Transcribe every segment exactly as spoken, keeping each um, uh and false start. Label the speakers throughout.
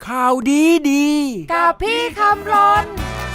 Speaker 1: ข่าวดีดี
Speaker 2: กับพี่คำรน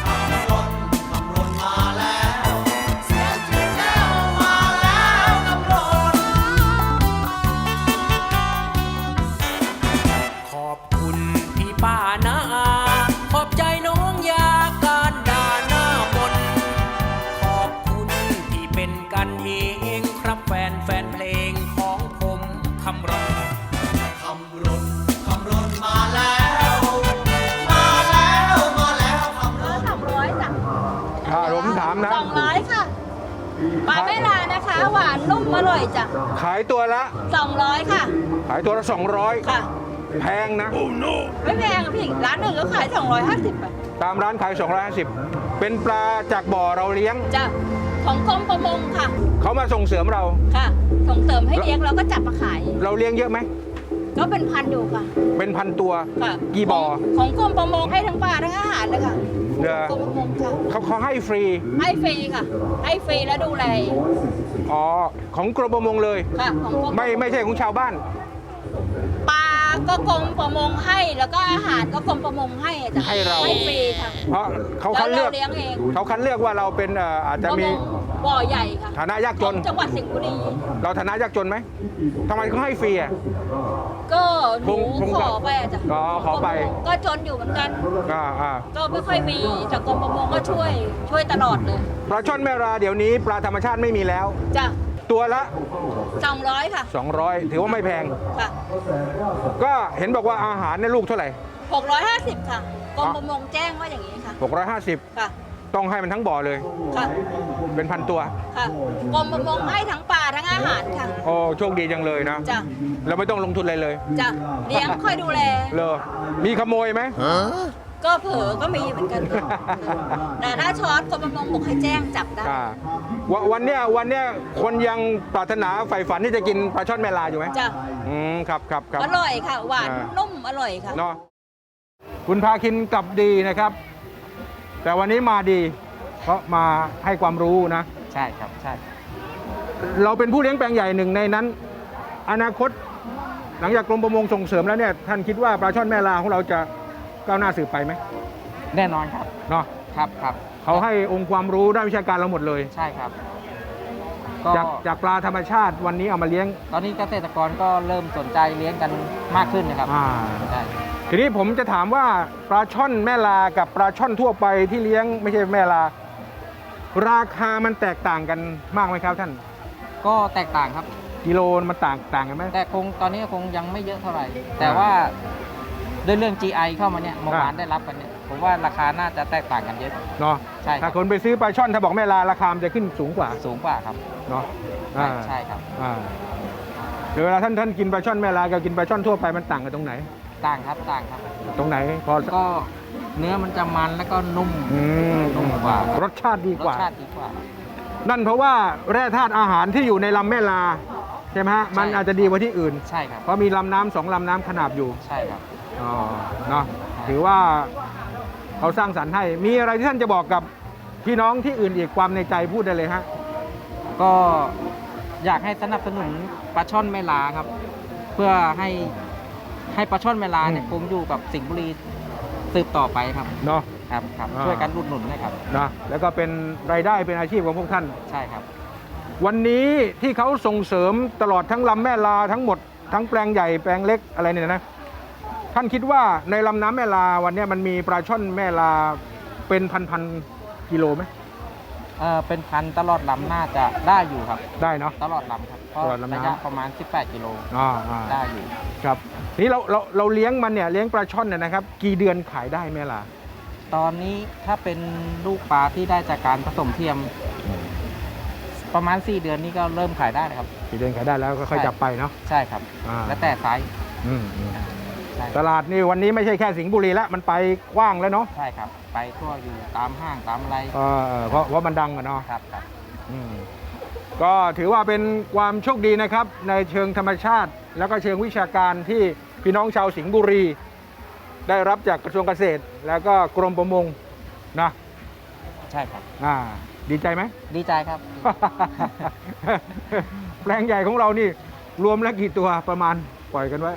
Speaker 1: ขอบคุณพี่ป้านะขอบใจน้องยาการด่าหน้ามนขอบคุณที่เป็นกันเองครับแฟนแฟนเพลงของผมคำรน
Speaker 3: คำรนคำรนมาแล้วมาแล้วมาแล้วคำรน
Speaker 2: สองร้อยจ้ะ
Speaker 4: ถ้าผมถามนะ
Speaker 2: สองร้อยค่ะปลาแม่ลานะคะหวานนุ่มอร่อยจ้ะ
Speaker 4: ขายตัวละ
Speaker 2: สองร้อยค่ะ
Speaker 4: ขายตัวละสองร้อย
Speaker 2: ค่ะ
Speaker 4: แพงนะ
Speaker 2: ไม่แพงอะพี่ร้านหนึ่งก็ขายสองร้อยห้าสิบอะ
Speaker 4: ตามร้านขายสองร้อยห้าสิบเป็นปลาจากบ่อเราเลี้ยง
Speaker 2: จ้ะของกรมประมงค่ะ
Speaker 4: เขามาส่งเสริมเรา
Speaker 2: ค่ะส่งเสริมให้เลี้ยงเราก็จับมาขาย
Speaker 4: เราเลี้ยงเยอะไหม
Speaker 2: ก็เป็นพันอยู่ค่ะ
Speaker 4: เป็นพันตัว
Speaker 2: ค่ะ
Speaker 4: กี่บ่อ
Speaker 2: ของของกรมประมงให้ทั้งปลาทั้งอาหารเลยค่ะ
Speaker 4: เด้อ
Speaker 2: กรมประมงค่ะ
Speaker 4: เขาเขาให้ฟรี
Speaker 2: ให้ฟรีค่ะ ให้ฟรีแล้วดูแล
Speaker 4: อ๋อของกรมประมงเลย
Speaker 2: ค่ะของกรม
Speaker 4: ไม่ไม่ใช่ของชาวบ้าน
Speaker 2: ปลาก็กรมประมงให้แล้วก็อาหารก็กรมประมงให้จ้ะ
Speaker 4: ให้เรา
Speaker 2: ให้ฟรีค่ะ
Speaker 4: เพราะเขา
Speaker 2: แล้ว
Speaker 4: คัดเลือก
Speaker 2: เราเลี้ยงเอง
Speaker 4: เขาคัดเลือกว่าเราเป็นเอ่ออาจจะมี
Speaker 2: ประงบ่อใหญ่ค่ะ
Speaker 4: ฐานะยากจน
Speaker 2: ของจังหวัดสิงห์บุรี
Speaker 4: เราฐานะยากจนไหมทำไมเขาให้ฟรีอ่ะ
Speaker 2: ก็หนู
Speaker 4: คง
Speaker 2: ขอไปอะจ้ะ
Speaker 4: อ๋อขอไป
Speaker 2: ก็จนอยู่เหมือนกัน
Speaker 4: อ่าอ่า
Speaker 2: ก็ไม่ค่อยมีแต่กรมประมงก็ช่วยช่วยตลอดเลย
Speaker 4: ปลาช่อนแม่ราเดี๋ยวนี้ปลาธรรมชาติไม่มีแล้ว
Speaker 2: จ้ะ
Speaker 4: ตัวละ
Speaker 2: สองร้อยค่ะ
Speaker 4: สองร้อยถือว่าไม่แพง
Speaker 2: ค่ะ
Speaker 4: ก็เห็นบอกว่าอาหารเนี่ยลูกเท่าไหร่
Speaker 2: หกร้อยห้าสิบค่ะกรมประมงแจ้งว่าอย่างนี้ค่ะ
Speaker 4: หกร้อยห้าสิบ
Speaker 2: ค่ะ
Speaker 4: ต้องให้มันทั้งบ่อเลย
Speaker 2: ค่ะ
Speaker 4: เป็นพันตัว
Speaker 2: ค่ะกรมประมงให้ทั้งปลาทั้งอาหารค่ะ
Speaker 4: โอ้โชคดีจังเลยนะ
Speaker 2: จ้ะ
Speaker 4: เราไม่ต้องลงทุนอะไรเลย
Speaker 2: จ้ะเลี้ยงค่อยดูแล
Speaker 4: เลยมีขโมยไหม
Speaker 2: ก็เผลอก็มีเหมือนกันค่ะแต่ถ้าช็อตกรมประมงบอกให้แจ้งจับได้
Speaker 4: อ่าวันวันเนี้ยวันเนี้ยคนยังปรารถนาใฝ่ฝันที่จะกินปลาช่อนแม่ลาอยู่ไหม
Speaker 2: จ้ะ
Speaker 4: อืมครับครับครับ
Speaker 2: อร่อยค่ะ หวาน
Speaker 4: อ่า
Speaker 2: นุ่มอร่อยค่ะ
Speaker 4: เนาะคุณพาคินกลับดีนะครับ แต่วันนี้มาดี เพราะมาให้ความรู้นะ
Speaker 5: ใช่ครับใช่
Speaker 4: เราเป็นผู้เลี้ยงแปลงใหญ่หนึ่งในนั้น อนาคต หลังจากกรมประมงส่งเสริมแล้วเนี่ยท่านคิดว่าปลาช่อนแม่ลาของเราจะก้าวหน้าสืบไปไหม
Speaker 5: แน่นอนครับ
Speaker 4: เนาะ
Speaker 5: ครับครับ
Speaker 4: เขาให้องค์ความรู้ด้านวิชาการเราหมดเลย
Speaker 5: ใช่ครับก็
Speaker 4: จากจากปลาธรรมชาติวันนี้เอามาเลี้ยง
Speaker 5: ตอนนี้เกษตรกรก็เริ่มสนใจเลี้ยงกันมากขึ้นนะครับ
Speaker 4: อ่า
Speaker 5: ใช่
Speaker 4: ทีนี้ผมจะถามว่าปลาช่อนแม่ลากับปลาช่อนทั่วไปที่เลี้ยงไม่ใช่แม่ลา ราคามันแตกต่างกันมากไหมครับท่าน
Speaker 5: ก็แตกต่างครับ
Speaker 4: กิโลมันต่างต่างกันไหม
Speaker 5: แต่คงตอนนี้คงยังไม่เยอะเท่าไหร่ แต่ว่าด้วยเรื่อง จี ไอ เข้ามาเนี่ยเมื่อวาน
Speaker 4: อ่า
Speaker 5: ได้รับกันเนี่ยผมว่าราคาน่าจะแตกต่างกันเยอะ
Speaker 4: เนาะ
Speaker 5: ใช่ครับ
Speaker 4: ถ้าคนไปซื้อปลาช่อนถ้าบอกแม่ลาราคามันจะขึ้นสูงกว่า
Speaker 5: สูงกว่าครับ
Speaker 4: เนาะ
Speaker 5: ใช่
Speaker 4: อ่า
Speaker 5: ใช่ครับ
Speaker 4: อ่าเดี๋ยวเวลาท่านท่านกินปลาช่อนแม่ลากับกินปลาช่อนทั่วไปมันต่างกันตรงไหน
Speaker 5: ต่างครับต่างครับ
Speaker 4: ตรงไหนพอ
Speaker 5: ก็เนื้อมันจะมันแล้วก็นุ่ม
Speaker 4: อืม
Speaker 5: นุ่มกว่า
Speaker 4: รสชาติดี
Speaker 5: ร
Speaker 4: ก
Speaker 5: ส
Speaker 4: ว่า
Speaker 5: ชาติดีกว่า
Speaker 4: นั่นเพราะว่าแร่ธาตุอาหารที่อยู่ในลำแม่ลาใช่ไหมฮะมัน
Speaker 5: ใช่
Speaker 4: อาจจะดีกว่าที่อื่น
Speaker 5: ใช่ครับ
Speaker 4: เพราะมีลำน้ำสองลำน้ำขนาบอยู่
Speaker 5: ใช่ครับ
Speaker 4: อ๋อเนาะถือว่าเขาสร้างสรรค์ให้ มีอะไรที่ท่านจะบอกกับพี่น้องที่อื่นอีกความในใจพูดได้เลยฮะ
Speaker 5: ก็อยากให้สนับสนุนปลาช่อนแม่ลาครับ เพื่อให้ให้ปลาช่อนแม่ลาเนี่ย
Speaker 4: อืม
Speaker 5: คงอยู่กับสิงห์บุรีสืบต่อไปครับ
Speaker 4: เนาะ
Speaker 5: ครับครับ
Speaker 4: อ่า
Speaker 5: ช่วยกันอุดหนุนนะครับ
Speaker 4: นะแล้วก็เป็นรายได้เป็นอาชีพของพวกท่าน
Speaker 5: ใช่ครับ
Speaker 4: วันนี้ที่เขาส่งเสริมตลอดทั้งลำแม่ลาทั้งหมดทั้งแปลงใหญ่แปลงเล็กอะไรเนี่ยนะท่านคิดว่าในลำน้ำแม่ลาวันนี้มันมีปลาช่อนแม่ลาเป็นพันๆกิโลไหม
Speaker 5: เออเป็นพันตลอดลำน่าจะได้อยู่ครับ
Speaker 4: ได้เนาะ
Speaker 5: ตลอดลำครับก็
Speaker 4: ตลอดลำน้ำ
Speaker 5: ระยะประมาณ สิบแปด กิโล
Speaker 4: อ่าอ่า
Speaker 5: ได้อยู่
Speaker 4: ครับทีนี้เราเราเราเลี้ยงมันเนี่ยเลี้ยงปลาช่อนเนี่ยนะครับ กี่เดือนขายได้แม่ลา
Speaker 5: ตอนนี้ถ้าเป็นลูกปลาที่ได้จากการผสมเทียม ประมาณ สี่ เดือนนี้ก็เริ่มขายได้นะครับ
Speaker 4: กี่เดือนขายได้แล้วก็ค่อยจับไปเนาะ
Speaker 5: ใช่ครับ
Speaker 4: อ่า
Speaker 5: แล้วแต่ไซส์
Speaker 4: อืมอืม
Speaker 5: ใช่
Speaker 4: ตลาดนี่วันนี้ไม่ใช่แค่สิงห์บุรีแล้วมันไปกว้างแล้วเนาะ
Speaker 5: ใช่ครับ ไปทั่วอยู่ตามห้างตามอะไร
Speaker 4: เออเพราะเพราะมันดังอะเนาะ
Speaker 5: ครับครับ
Speaker 4: อืมก็ถือว่าเป็นความโชคดีนะครับ ในเชิงธรรมชาติ แล้วก็เชิงวิชาการที่พี่น้องชาวสิงห์บุรี ได้รับจากกระทรวงเกษตร แล้วก็กรมประมงนะ
Speaker 5: ใช่ครับ
Speaker 4: อ่าดีใจไหม
Speaker 5: ดีใจครับ
Speaker 4: แปลงใหญ่ของเรานี่รวมแล้วกี่ตัวประมาณปล่อยกันไว้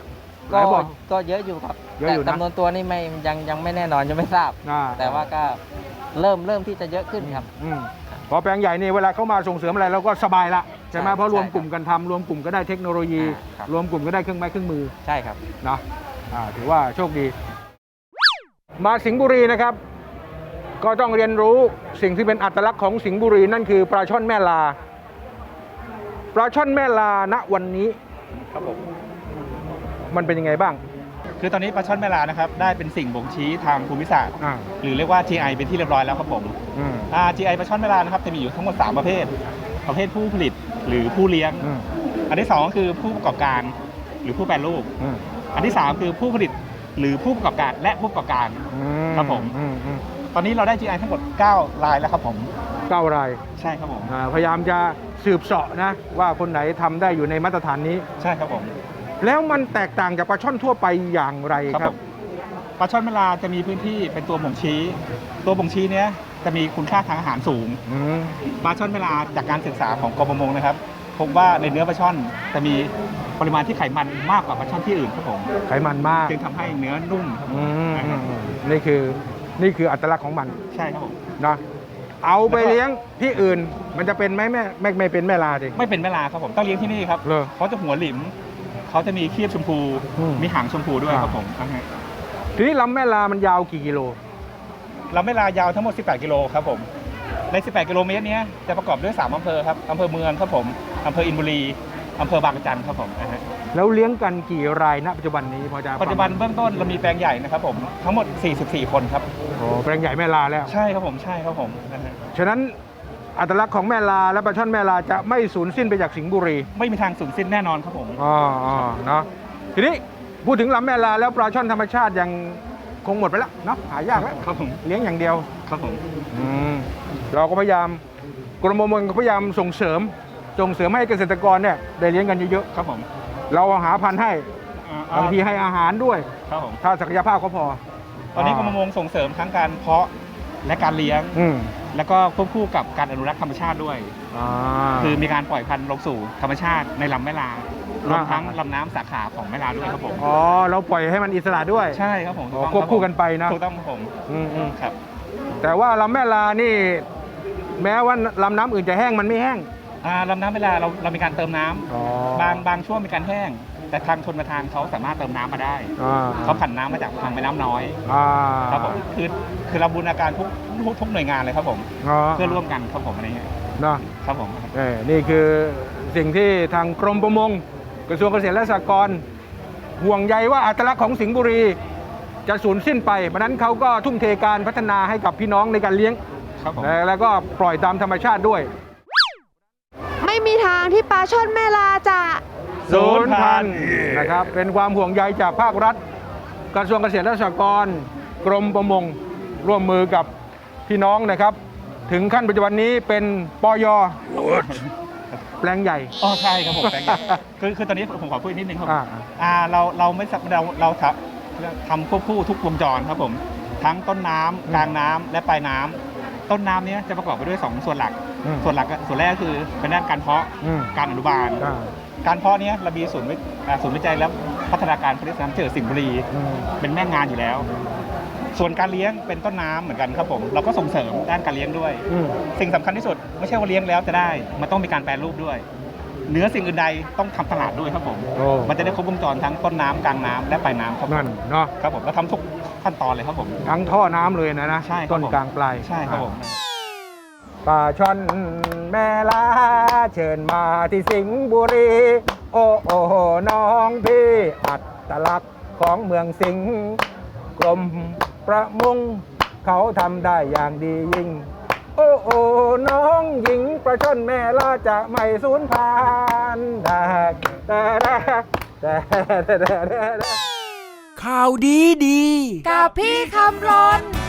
Speaker 4: หลายบ่อ
Speaker 5: ก็เยอะอยู่ครับ
Speaker 4: เยอะอยู่นะ
Speaker 5: แต่จำนวนตัวนี่ไม่ยังยังไม่แน่นอนยังไม่ทราบ
Speaker 4: อ่า
Speaker 5: แต่ว่าก็เริ่มเริ่มที่จะเยอะขึ้นครับ
Speaker 4: อืมพอแปลงใหญ่นี่เวลาเขามาส่งเสริมอะไรเราก็สบายละใช่ไหม
Speaker 5: ใช่
Speaker 4: เพราะรวม
Speaker 5: ใช่
Speaker 4: กลุ่มกันทำรวมกลุ่มก็ได้เทคโนโลยี
Speaker 5: อ่าครับ
Speaker 4: รวมกลุ่มก็ได้เครื่องไม้เครื่องมือ
Speaker 5: ใช่ครับ
Speaker 4: เนาะอ่าถือว่าโชคดี มาสิงห์บุรีนะครับ ก็ต้องเรียนรู้สิ่งที่เป็นอัตลักษณ์ของสิงห์บุรีนั่นคือปลาช่อนแม่ลา ปลาช่อนแม่ลาณวันนี้
Speaker 6: ครับผม
Speaker 4: มันเป็นยังไงบ้าง
Speaker 6: คือตอนนี้ปลาช่อนแม่ลานะครับได้เป็นสิ่งบ่งชี้ทางภูมิศาสตร์
Speaker 4: อ่า
Speaker 6: หรือเรียกว่า จี ไอ เป็นที่เรียบร้อยแล้วครับผม
Speaker 4: อืม
Speaker 6: อ่า จี ไอ ปลาช่อนแม่ลานะครับจะมีอยู่ทั้งหมดสามประเภท ประเภทผู้ผลิตหรือผู้เลี้ยง
Speaker 4: อืม
Speaker 6: อันที่สองก็คือผู้ประกอบการหรือผู้แปรรูป
Speaker 4: อืม
Speaker 6: อันที่สามคือผู้ผลิตหรือผู้ประกอบการและผู้ประกอบการ
Speaker 4: อื
Speaker 6: ครับผม
Speaker 4: อืมอืม
Speaker 6: ตอนนี้เราได้ จี ไอ ทั้งหมดเก้ารายแล้วครับผม
Speaker 4: เก้าราย
Speaker 6: ใช่ครับผม
Speaker 4: อ่าพยายามจะสืบเสาะนะ ว่าคนไหนทำได้อยู่ในมาตรฐานนี้
Speaker 6: ใช่ครับผม
Speaker 4: แล้วมันแตกต่างจากปลาช่อนทั่วไปอย่างไร
Speaker 6: ครับ
Speaker 4: ครั
Speaker 6: ผ
Speaker 4: บ
Speaker 6: มปลาช่อนแม่ลาจะมีพื้นที่เป็นตัวบ่งชี้ ตัวบ่งชี้เนี้ยจะมีคุณค่าทางอาหารสูง
Speaker 4: อืม
Speaker 6: ปลาช่อนแม่ลาจากการศึกษาของกรมประมงนะครับพบว่าในเนื้อปลาช่อนจะมีปริมาณที่ไขมันมากกว่าปลาช่อนที่อื่นครับผม
Speaker 4: ไขมันมาก
Speaker 6: จึงทำให้เนื้อนุ่มครับผม
Speaker 4: อืม
Speaker 6: นะครับ
Speaker 4: อืมนี่คือนี่คืออัตลักษณ์ของมัน
Speaker 6: ใช่ครับผม
Speaker 4: นะเอาไปเลี้ยงที่อื่นมันจะเป็นไหมแม่ไม่ไม่เป็นแม่ลาดิ
Speaker 6: ไม่เป็นแม่ลาครับผมต้องเลี้ยงที่นี่ครับ
Speaker 4: เหรอ
Speaker 6: เขาจะหัวหลิมเขาจะมีครีบชมพู
Speaker 4: อืม
Speaker 6: มีหางชมพูด้วย
Speaker 4: อ่า
Speaker 6: ครับผมอ่าฮะ
Speaker 4: ทีนี้ลำแม่ลามันยาวกี่กิโล
Speaker 6: ลำแม่ลายาวทั้งหมดสิบแปดกิโลครับผมในสิบแปดกิโลเมตรเนี้ยจะประกอบด้วยสามอำเภอครับอำเภอเมืองครับผมอำเภออินบุรีอำเภอบางกระจันครับผมอ่าฮะ
Speaker 4: แล้วเลี้ยงกันกี่รายณปัจจุบันนี้พอจะ
Speaker 6: ปัจจุบันเบื้องต้นเรามีแปลงใหญ่นะครับผมทั้งหมดสี่สิบสี่คนครับ
Speaker 4: โอ้แปลงใหญ่แม่ลาแล้ว
Speaker 6: ใช่ครับผมใช่ครับผมอ่าฮะ
Speaker 4: ฉะนั้นอัตลักษณ์ของแม่ลาและปลาช่อนแม่ลาจะไม่สูญสิ้นไปจากสิงห์บุรี
Speaker 6: ไม่มีทางสูญสิ้นแน่นอนครับผม
Speaker 4: อ๋ออ๋อเนาะทีนี้พูดถึงลำแม่ลาแล้วปลาช่อนธรรมชาติยังคงหมดไปแล้วเนาะหายากแล้ว
Speaker 6: ครับผม
Speaker 4: เลี้ยงอย่างเดียว
Speaker 6: ครับผม
Speaker 4: อืมเราก็พยายามกรมประมงก็พยายามส่งเสริมส่งเสริมให้เกษตรกรเนี่ยได้เลี้ยงกันเยอะ
Speaker 6: ครับผม
Speaker 4: ๆเราหาพันธุ์ให้
Speaker 6: อ่
Speaker 4: บางทีให้อาหารด้วย
Speaker 6: ครับผม
Speaker 4: ถ้าศักยภาพก็พอ
Speaker 6: ตอนนี้กรมประมงส่งเสริมทั้งการเพาะและการเลี้ยง
Speaker 4: อืม
Speaker 6: แล้วก็ควบคู่กับการอนุรักษ์ธรรมชาติด้วย
Speaker 4: อ่า
Speaker 6: คือมีการปล่อยพันธุ์ลงสู่ธรรมชาติในลำแม่ลารวมทั้งลำน้ำสาขาของแม่ลาด้วยครับผม
Speaker 4: อ๋อเราปล่อยให้มันอิสระด้วย
Speaker 6: ใช่ครับผมถู
Speaker 4: อ๋
Speaker 6: ก
Speaker 4: อ
Speaker 6: ต้อง
Speaker 4: ควบคู่กันไปนะ
Speaker 6: ถูกต้องครับผม
Speaker 4: อืมอืม
Speaker 6: ครับ
Speaker 4: แต่ว่าลำแม่ลานี่ แม้ว่าลำน้ำอื่นจะแห้งมันไม่แห้ง
Speaker 6: อ่าลำน้ำแม่ลาเราเรามีการเติมน้ำ
Speaker 4: อ๋อบ
Speaker 6: างบางช่วงมีการแห้ง แต่ทางชนประทานเขาสามารถเติมน้ำมาได้
Speaker 4: อ่า
Speaker 6: เขาผันน้ำมาจากทางแม่น้ำน้อย
Speaker 4: อ่า
Speaker 6: ครับผมคือคือเราบูรณาการทุกทุกทุกหน่วยงานเลยครับผม
Speaker 4: อ๋อ
Speaker 6: เพื่อร่วมกันครับผมอะไรเงี้ย
Speaker 4: เนาะ
Speaker 6: ครับผม
Speaker 4: เอ้ยนี่คือสิ่งที่ทางกรมประมงกระทรวงเกษตรและสหกรณ์ห่วงใยว่าอัตลักษณ์ของสิงห์บุรี จะสูญสิ้นไปเพราะฉะนั้นเขาก็ทุ่มเทการพัฒนาให้กับพี่น้องในการเลี้ยง
Speaker 6: ครับผม
Speaker 4: และแล้วก็ปล่อยตามธรรมชาติด้วย
Speaker 7: ไม่มีทางที่ปลาช่อนแม่ลาจะ
Speaker 4: ศูนย์พันธุ์นะครับเป็นความห่วงใยจากภาครัฐ กระทรวงเกษตรและสหกรณ์กรมประมงร่วมมือกับพี่น้องนะครับ ถึงขั้นปัจจุบันนี้เป็นปยแปลงใหญ่
Speaker 6: อ๋อใช่ครับผมแปลงใหญ่คือคือตอนนี้ผมขอพูดอีกนิดนึงครับ
Speaker 4: อ่า
Speaker 6: อ่าเราเราไม่สับเราเราทำทำควบคู่ทุกวงจรครับผมทั้งต้นน้ำกลางน้ำและปลายน้ำต้นน้ำเนี้ยจะประกอบไปด้วยสองส่วนหลัก
Speaker 4: อืม
Speaker 6: ส่วนหลักก็ส่วนแรกก็คือเป็นด้านการเพาะ
Speaker 4: อืม
Speaker 6: การอนุบาล
Speaker 4: อ่า
Speaker 6: การเพาะเนี้ยเรามีศูนย์วิอ่าศูนย์วิจัยและพัฒนาการผลิตน้ำเจือสิงห์บุรี
Speaker 4: อืม
Speaker 6: เป็นแม่งานอยู่แล้ว ส่วนการเลี้ยงเป็นต้นน้ำเหมือนกันครับผมเราก็ส่งเสริมด้านการเลี้ยงด้วย
Speaker 4: อืม
Speaker 6: สิ่งสำคัญที่สุดไม่ใช่ว่าเลี้ยงแล้วจะได้ มันต้องมีการแปรรูปด้วย เนื้อสิ่งอื่นใดต้องทำตลาดด้วยครับผม
Speaker 4: โอ้
Speaker 6: มันจะได้ครบวงจรทั้งต้นน้ำกลางน้ำและปลายน้ำครับผม
Speaker 4: นั่นเนาะ
Speaker 6: ครับผมเราทำทุกขั้นตอนเลยครับผม
Speaker 4: ทั้งท่อน้ำเลยนะนะ
Speaker 6: ใช่ครับ
Speaker 4: ต้น
Speaker 6: ผม
Speaker 4: กลางปลาย
Speaker 6: ใช่ครับผม
Speaker 4: ปลาช่อนแม่ลาเชิญมาที่สิงห์บุรี โอ้โอ้น้องพี่อัตลักษณ์ของเมืองสิงห์กรมประมงเขาทำได้อย่างดียิ่ง โอ้โอ้น้องหญิงปลาช่อนแม่ลาจะไม่สูญพันธุ์ได้แต่แต่แต่แต่แต่
Speaker 1: ข่าวดีดี
Speaker 7: กับพี่คำรน